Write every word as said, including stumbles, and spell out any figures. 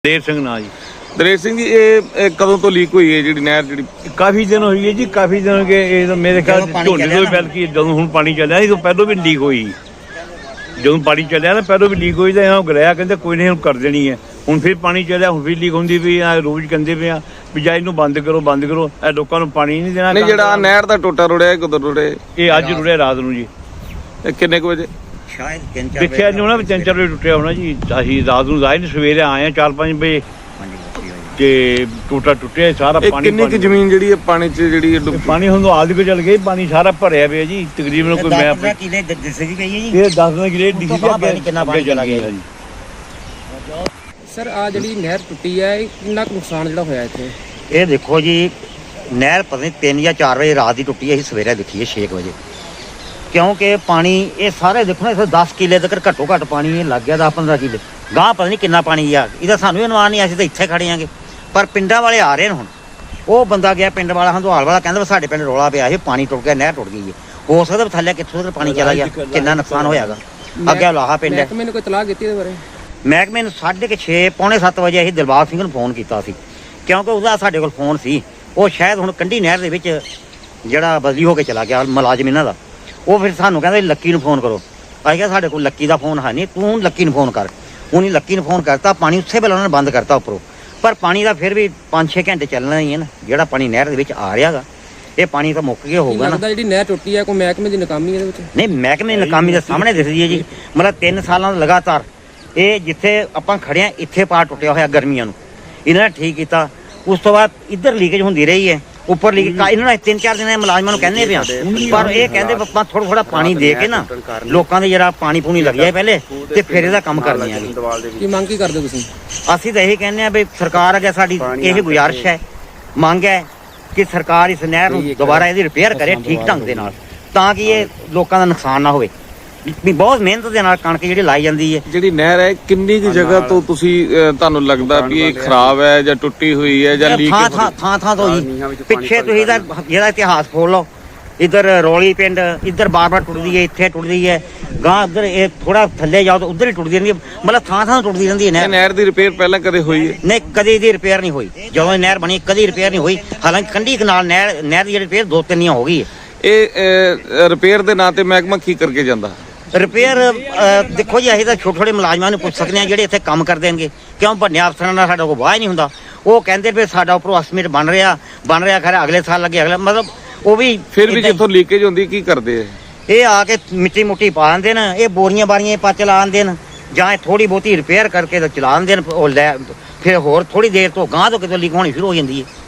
देर सिंह ना जी। ਦਲੇਰ ਸਿੰਘ ਜੀ ਇਹ ਕਦੋਂ ਤੋਂ ਲੀਕ ਹੋਈ ਹੈ ਜਿਹੜੀ ਨਹਿਰ ਜਿਹੜੀ काफी दिन हुई है जी, काफी दिन हो गए। ये तो मेरे ख्याल झोने तो बल्कि जो हूँ पानी चलिया तो पहलों भी लीक हुई, जो पानी चलिया ना पहलों भी लीक हुई तो यहाँ गलाया कहते कोई नहीं कर देनी है। हूँ फिर पानी चलिया, हूँ फिर लीक होंगी पई आ, रोज कहते पे भी जा इनू बंद करो बंद करो, ए लोगों को पानी नहीं देना। ਨਹੀਂ ਜਿਹੜਾ ਨਹਿਰ ਦਾ ਟੋਟਾ ਰੁੜਿਆ ਕਦੋਂ ਰੁੜਿਆ ये अज रुड़िया रात नूं जी, ਇਹ ਕਿੰਨੇ ਕੁ ਵਜੇ शायद तीन चार देखिया नहीं होना, तीन चार बजे टुटिया होना जी। असीं रात नूं आए नहीं, सवेरे आए हैं चार पाँच बजे ਤੇ ਟੂਟਾ ਟੁੱਟਿਆ ਸਾਰਾ ਇਹ ਪਾਣੀ। ਕਿੰਨੀ ਕੁ ਜ਼ਮੀਨ ਜਿਹੜੀ ਹੈ ਪਾਣੀ 'ਚ ਜਿਹੜੀ ਡੁੱਬ ਪਾਣੀ ਹੁਣ ਆਦ ਕੋ ਚਲ ਗਈ, ਪਾਣੀ ਸਾਰਾ ਭਰਿਆ ਪਿਆ ਜੀ ਤਕਰੀਬਨ। ਕੋਈ ਮੈਂ दस किले दिसे जी गई है जी। ਇਹ ਦਸ ਕਿਲੇ ਡਿੱਗੀ ਪਤਾ ਨਹੀਂ ਕਿੰਨਾ ਪਾਣੀ ਚਲਾ ਗਿਆ ਜੀ। ਸਰ ਆ ਜਿਹੜੀ ਨਹਿਰ ਟੁੱਟੀ ਹੈ ਇਹ ਕਿੰਨਾ ਕੁ ਨੁਕਸਾਨ ਜਿਹੜਾ ਹੋਇਆ ਇੱਥੇ? ਇਹ ਦੇਖੋ ਜੀ ਨਹਿਰ ਪਤਾ ਨਹੀਂ ਤਿੰਨ ਜਾਂ ਚਾਰ ਵਜੇ ਰਾਤ ਦੀ ਟੁੱਟੀ ਹੈ, ਅਸੀਂ ਸਵੇਰੇ ਦੇਖੀ ਹੈ ਛੇ ਵਜੇ। ਕਿਉਂਕਿ ਪਾਣੀ ਇਹ ਸਾਰੇ ਦੇਖੋ ਨਾ, ਇੱਥੇ ਦਸ ਕਿਲੇ ਤੱਕ ਘੱਟੋ ਘੱਟ ਪਾਣੀ ਇਹ ਲੱਗ ਗਿਆ, ਦਸ ਪੰਦਰਾਂ ਕਿਲੇ ਗਾਂ ਪਤਾ ਨਹੀਂ ਕਿੰਨਾ ਪਾਣੀ ਆ। ਇਹਦਾ ਸਾਨੂੰ ਵੀ ਅਨੁਮਾਨ ਨਹੀਂ, ਅਸੀਂ ਤਾਂ ਇੱਥੇ ਖੜੇ ਆਂਗੇ, ਪਰ ਪਿੰਡਾਂ ਵਾਲੇ ਆ ਰਹੇ ਨੇ। ਹੁਣ ਉਹ ਬੰਦਾ ਗਿਆ ਪਿੰਡ ਵਾਲਾ, ਹੰਦਵਾਲ ਵਾਲਾ, ਕਹਿੰਦਾ ਸਾਡੇ ਪਿੰਡ ਰੋਲਾ ਪਿਆ ਇਹ ਪਾਣੀ ਟੁੱਟ ਗਿਆ, ਨਹਿਰ ਟੁੱਟ ਗਈ ਹੈ। ਹੋ ਸਕਦਾ ਥੱਲੇ ਕਿੱਥੋਂ ਤੱਕ ਪਾਣੀ ਚਲਾ ਗਿਆ, ਕਿੰਨਾ ਨੁਕਸਾਨ ਹੋਇਆਗਾ। ਅੱਗੇ ਲਾਹਾ ਪਿੰਡ ਹੈ। ਮਹਿਕਮੇ ਨੇ ਕੋਈ ਤਲਾਹ ਕੀਤੀ ਇਹਦੇ ਬਾਰੇ? ਮਹਿਕਮੇ ਨੂੰ ਸਾਢੇ ਕੁ ਛੇ ਪੌਣੇ ਸੱਤ ਵਜੇ ਅਸੀਂ ਦਿਲਬਾਗ ਸਿੰਘ ਨੂੰ ਫੋਨ ਕੀਤਾ ਸੀ, ਕਿਉਂਕਿ ਉਹਦਾ ਸਾਡੇ ਕੋਲ ਫੋਨ ਸੀ। ਉਹ ਸ਼ਾਇਦ ਹੁਣ ਕੰਢੀ ਨਹਿਰ ਦੇ ਵਿੱਚ ਜਿਹੜਾ ਬਦਲੀ ਹੋ ਕੇ ਚਲਾ ਗਿਆ ਮੁਲਾਜ਼ਮ ਇਹਨਾਂ ਦਾ, ਉਹ ਫਿਰ ਸਾਨੂੰ ਕਹਿੰਦਾ ਲੱਕੀ ਨੂੰ ਫੋਨ ਕਰੋ। ਅਸੀਂ ਕਿਹਾ ਸਾਡੇ ਕੋਲ ਲੱਕੀ ਦਾ ਫੋਨ ਹੈ ਨਹੀਂ, ਤੂੰ ਲੱਕੀ ਨੂੰ ਫੋਨ ਕਰ। ਉਹਨੇ ਲੱਕੀ ਨੂੰ ਫੋਨ ਕਰਤਾ, ਪਾਣੀ ਉਸੇ ਵੇਲੇ ਉਹਨਾਂ ਨੇ ਬੰਦ ਕਰਤਾ ਉੱਪਰੋਂ। ਪਰ ਪਾਣੀ ਦਾ ਫਿਰ ਵੀ ਪੰਜ ਛੇ ਘੰਟੇ ਚੱਲਣਾ ਹੀ ਹੈ ਨਾ, ਜਿਹੜਾ ਪਾਣੀ ਨਹਿਰ ਦੇ ਵਿੱਚ ਆ ਰਿਹਾ ਗਾ ਇਹ ਪਾਣੀ ਤਾਂ ਮੁੱਕ ਗਿਆ ਹੋਊਗਾ ਨਾ। ਲੱਗਦਾ ਜਿਹੜੀ ਨਹਿਰ ਟੁੱਟੀ ਹੈ ਕੋਈ ਮਹਿਕਮੇ ਦੀ ਨਾਕਾਮੀ ਇਹਦੇ ਵਿੱਚ? ਨਹੀਂ, ਮਹਿਕਮੇ ਦੀ ਨਾਕਾਮੀ ਦੇ ਸਾਹਮਣੇ ਦਿਸਦੀ ਹੈ ਜੀ। ਮਤਲਬ ਤਿੰਨ ਸਾਲਾਂ ਦਾ ਲਗਾਤਾਰ ਇਹ ਜਿੱਥੇ ਆਪਾਂ ਖੜੇ ਆ ਇੱਥੇ ਪਾਰ ਟੁੱਟਿਆ ਹੋਇਆ ਗਰਮੀਆਂ ਨੂੰ, ਇਹਨਾਂ ਨੇ ਠੀਕ ਕੀਤਾ। ਉਸ ਤੋਂ ਬਾਅਦ ਇੱਧਰ ਲੀਕੇਜ ਹੁੰਦੀ ਰਹੀ ਹੈ, ਉੱਪਰ ਲੀਕ ਇਹਨਾਂ ਨੇ ਤਿੰਨ ਚਾਰ ਦਿਨ ਮੁਲਾਜ਼ਮਾਂ ਨੂੰ ਕਹਿੰਦੇ ਪਿਆ, ਪਰ ਇਹ ਕਹਿੰਦੇ ਆਪਾਂ ਥੋੜਾ ਥੋੜਾ ਪਾਣੀ ਦੇ ਕੇ ਨਾ ਲੋਕਾਂ ਦੇ ਜਿਹੜਾ ਪਾਣੀ ਪੂਣੀ ਲੱਗ ਜਾਏ ਪਹਿਲੇ ਤੇ ਫਿਰ ਇਹਦਾ ਕੰਮ ਕਰਦੇ ਆਂਗੇ। ਕੀ ਮੰਗ ਕੀ ਕਰਦੇ ਤੁਸੀਂ? ਅਸੀਂ ਤਾਂ ਇਹੀ ਕਹਿੰਦੇ ਆ ਵੀ ਸਰਕਾਰ ਅੱਗੇ ਸਾਡੀ ਇਹ ਗੁਜ਼ਾਰਿਸ਼ ਹੈ, ਮੰਗ ਹੈ ਕਿ ਸਰਕਾਰ ਇਸ ਨਹਿਰ ਨੂੰ ਦੁਬਾਰਾ ਇਹਦੀ ਰਿਪੇਅਰ ਕਰੇ ਠੀਕ ਢੰਗ ਦੇ ਨਾਲ, ਤਾਂ ਕਿ ਇਹ ਲੋਕਾਂ ਦਾ ਨੁਕਸਾਨ ਨਾ ਹੋਵੇ। ਵੀ ਬਹੁਤ ਮਿਹਨਤ ਦੇ ਨਾਲ ਕਣਕ ਜਿਹੜੀ ਲਾਈ ਜਾਂਦੀ ਹੈ। ਜਿਹੜੀ ਨਹਿਰ ਹੈ ਕਿੰਨੀ ਕੁ ਜਗ੍ਹਾ ਤੋਂ ਤੁਸੀਂ ਅਹ, ਤੁਹਾਨੂੰ ਲੱਗਦਾ ਵੀ ਇਹ ਖਰਾਬ ਹੈ ਜਾਂ ਟੁੱਟੀ ਹੋਈ ਹੈ ਜਾਂ ਲੀਕ ਥਾਂ ਥਾਂ ਥਾਂ ਥਾਂ ਤੋਂ ਜੀ ਪਿੱਛੇ ਤੁਸੀਂ ਇਹਦਾ ਜਿਹੜਾ ਇਤਿਹਾਸ ਖੋਲ ਲਓ, ਇੱਧਰ ਰੌਲੀ ਪਿੰਡ ਇੱਧਰ ਬਾਰ ਬਾਰ ਟੁੱਟਦੀ ਹੈ, ਇੱਥੇ ਟੁੱਟਦੀ ਹੈ, ਗਾਂ ਉੱਧਰ ਇਹ ਥੋੜਾ ਥੱਲੇ ਜਾਓ ਤਾਂ ਉੱਧਰ ਹੀ ਟੁੱਟਦੀ ਰਹਿੰਦੀ ਹੈ। ਮਤਲਬ ਥਾਂ ਥਾਂ ਟੁੱਟਦੀ ਰਹਿੰਦੀ ਹੈ ਇਹ ਨਹਿਰ। ਨਹਿਰ ਦੀ ਰਿਪੇਅਰ ਪਹਿਲਾਂ ਕਦੇ ਹੋਈ ਹੈ? ਨਹੀਂ, ਕਦੇ ਇਹਦੀ ਰਿਪੇਅਰ ਨਹੀਂ ਹੋਈ। ਜਦੋਂ ਇਹ ਨਹਿਰ ਬਣੀ ਕਦੀ ਰਿਪੇਅਰ ਨਹੀਂ ਹੋਈ। ਹਾਲਾਂਕਿ ਕੰਢੀ ਕਨਾਲ ਨਹਿਰ ਨਹਿਰ ਦੀ ਜਿਹੜੀ ਰਿਪੇਅਰ ਦੋ ਤਿੰਨ ਹੋ ਗਈ ਹੈ। ਇਹ ਰਿਪੇਅਰ ਦੇ ਨਾਂ ਤੇ ਮਹਿਕਮਾ ਕੀ ਕਰਕੇ ਜਾਂਦਾ? ਰਿਪੇਅਰ ਦੇਖੋ ਜੀ ਅਸੀਂ ਤਾਂ ਛੋਟੇ ਛੋਟੇ ਮੁਲਾਜ਼ਮਾਂ ਨੂੰ ਪੁੱਛ ਸਕਦੇ ਹਾਂ ਜਿਹੜੇ ਇੱਥੇ ਕੰਮ ਕਰਦੇ ਦੇਣਗੇ, ਕਿਉਂ ਵੱਡੇ ਅਫਸਰਾਂ ਨਾਲ ਸਾਡਾ ਕੋਈ ਵਾਹ ਹੀ ਨਹੀਂ ਹੁੰਦਾ। ਉਹ ਕਹਿੰਦੇ ਵੀ ਸਾਡਾ ਉੱਪਰੋਂ ਐਸਟੀਮੇਟ ਬਣ ਰਿਹਾ ਬਣ ਰਿਹਾ ਖੈਰ ਅਗਲੇ ਸਾਲ ਲੱਗੇ ਅਗਲੇ, ਮਤਲਬ ਉਹ ਵੀ ਫਿਰ ਵੀ ਜਿੱਥੋਂ ਲੀਕੇਜ ਹੁੰਦੀ ਕੀ ਕਰਦੇ ਆ ਇਹ ਆ ਕੇ ਮਿੱਟੀ ਮੁੱਟੀ ਪਾ ਦਿੰਦੇ ਨੇ, ਇਹ ਬੋਰੀਆਂ ਬਾਰੀਆਂ ਪਾ ਚਲਾ ਆਉਂਦੇ ਨੇ, ਜਾਂ ਥੋੜੀ ਬਹੁਤੀ ਰਿਪੇਅਰ ਕਰਕੇ ਤਾਂ ਚਲਾ ਦਿੰਦੇ ਨੇ। ਉਹ ਲੈ ਫਿਰ ਹੋਰ ਥੋੜੀ ਦੇਰ ਤੋਂ ਗਾਂਹ ਤੋਂ ਕਿਤੇ ਲੀਕ ਹੋਣੀ ਸ਼ੁਰੂ ਹੋ ਜਾਂਦੀ ਹੈ।